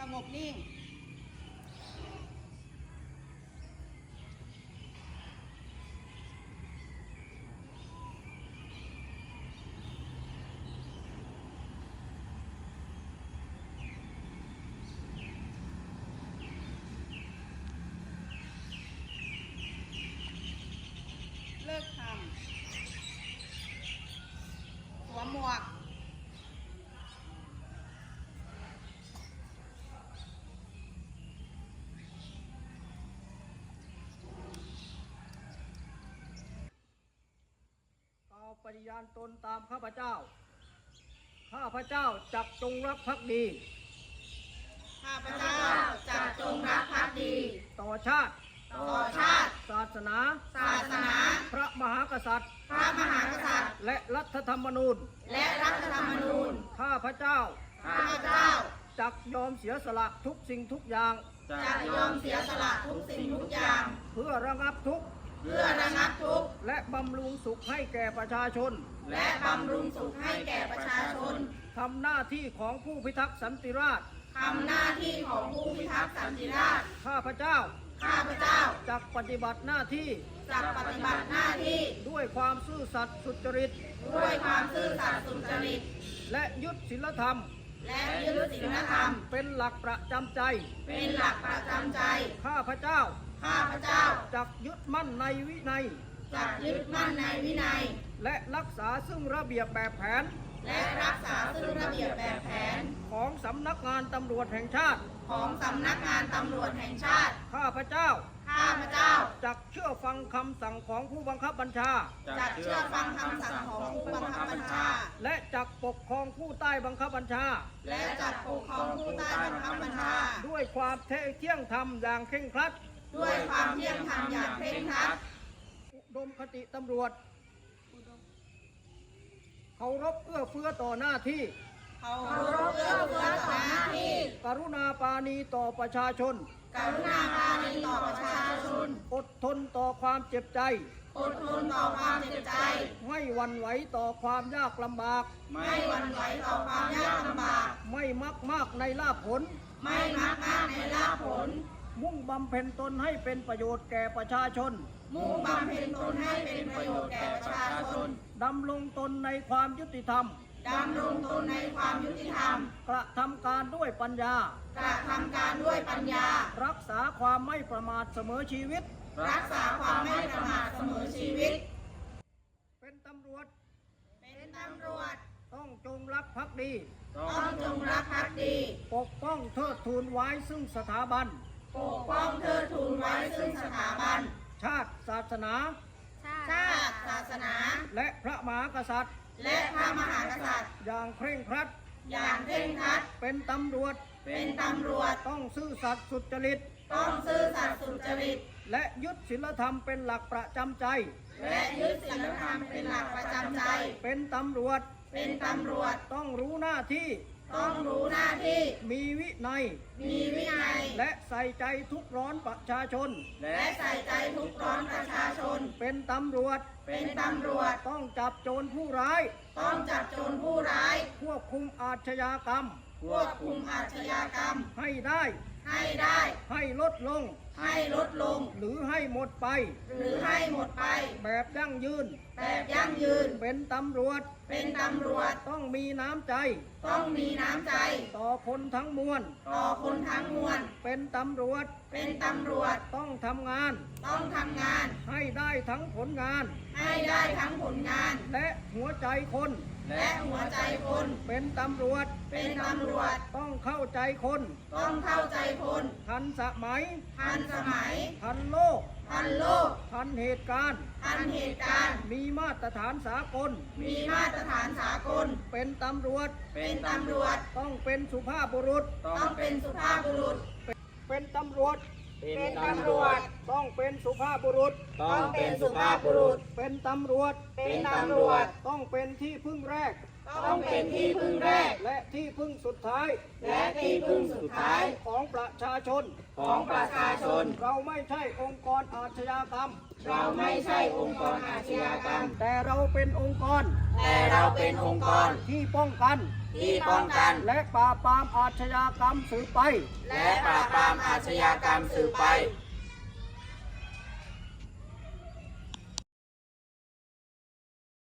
งบนิ่งเลิกทำสวมหมวกปฏิญาณตนตามข้าพเจ้าข้าพเจ้าจักจงรักภักดีข้าพเจ้าจะจงรักภักดีต่อชาติศาสนา พระมหากษัตริย์ และรัฐธรรมนูญ ข้าพเจ้าจักยอมเสียสละทุกสิ่งทุกอย่างเพื่อระงับทุกข์และบำรุงสุขให้แก่ประชาชนทำหน้าที่ของผู้พิทักษ์สันติราษฎร์ข้าพเจ้าจักปฏิบัติหน้าที่ด้วยความซื่อสัตย์สุจริตและยึดศีลธรรมเป็นหลักประจำใจข้าพเจ้าจักยึดมั่นในวินัยและรักษาซึ่งระเบียบแบบแผนของสำนักงานตำรวจแห่งชาติข้าพเจ้าจักเชื่อฟังคำสั่งของผู้บังคับบัญชาและจักปกครองผู้ใต้บังคับบัญชาด้วยความเที่ยงธรรมอย่างเคร่งครัดอุดมคติตำรวจเคารพเอื้อเฟื้อต่อหน้าที่กรุณาปราณีต่อประชาชนอดทนต่อความเจ็บใจไม่หวั่นไหวต่อความยากลำบากไม่มักมากในลาภผลมุ่งบำเพ็ญตนให้เป็นประโยชน์แก่ประชาชนดำรงตนในความยุติธรรมกระทำการด้วยปัญญารักษาความไม่ประมาทเสมอชีวิตเป็นตำรวจต้องจงรักภักดีปกป้องเทิดทูนไว้ซึ่งสถาบันชาติศาสนาและพระมหากษัตริย์อย่างเคร่งครัดเป็นตำรวจต้องซื่อสัตย์สุจริตและยึดศีลธรรมเป็นหลักประจำใจเป็นตำรวจต้องรู้หน้าที่มีวินัยและใส่ใจทุกร้อนประชาชนเป็นตำรวจต้องจับโจรผู้ร้ายควบคุมอาชญากรรมให้ได้ให้ลดลงหรือให้หมดไปแบบยั่งยืนเป็นตำรวจต้องมีน้ำใจต่อคนทั้งมวลเป็นตำรวจต้องทำงานให้ได้ทั้งผลงานและหัวใจคนเป็นตำรวจต้องเข้าใจคนทันสมัยทันโลกทันเหตุการณ์มีมาตรฐานสากลเป็นตำรวจต้องเป็นสุภาพบุรุษเป็นตำรวจต้องเป็นสุภาพบุรุษเป็นตำรวจต้องเป็นที่พึ่งแรกและที่พึ่งสุดท้ายและที่พึ่งสุดท้ายของประชาชนของประชาชนเราไม่ใช่องค์กรอาชญากรรมเราไม่ใช่องค์กรอาชญากรรมแต่เราเป็นองค์กรแต่เราเป็นองค์กรที่ป้องกันที่ป้องกันและปราบปรามอาชญากรรมสืบไปและปราบปรามอาชญากรรมสืบไป